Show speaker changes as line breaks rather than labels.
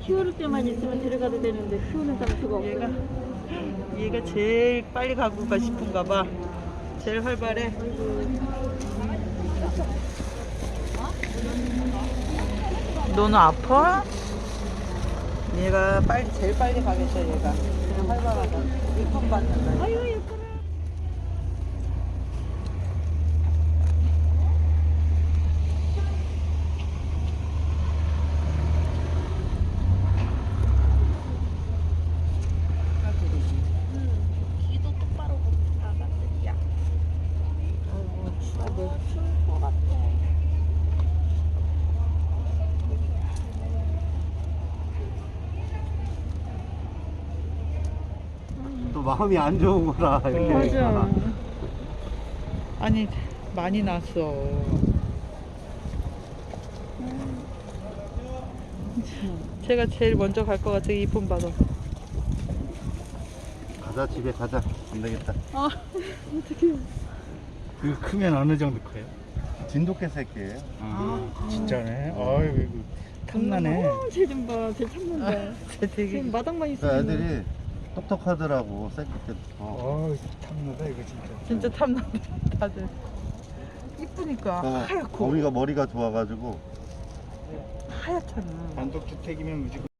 키울 때만 있으면 데려가도 되는데 키우는 장소가 없어.
얘가 제일 빨리 가고 가 싶은가 봐. 제일 활발해. 너는 아파? 얘가 제일 빨리 가겠어. 얘가 제일 활발하다. 이쁨 받는다.
아유 예뻐라. 귀도 똑바로 나갔더니야. 추울 것 같아.
또 마음이 안 좋은 거라 이렇게.
맞아.
아니 많이 났어. 제가 제일 먼저 갈 것 같아. 이쁨 받아서.
가자, 집에 가자. 안 되겠다.
어떡해.
그 크면 어느 정도 커요?
진돗개 새끼예요.
진짜네. 어이 탐나네.
쟤좀 봐. 쟤 참는다.
되게
지금 마당만
그
있으면.
애들이 똑똑하더라고, 새끼 때.
탐나다 이거 진짜.
진짜 탐난다. 다들 이쁘니까 하얗고
거미가 머리가 좋아가지고.
하얗잖아.
단독주택이면 무조건.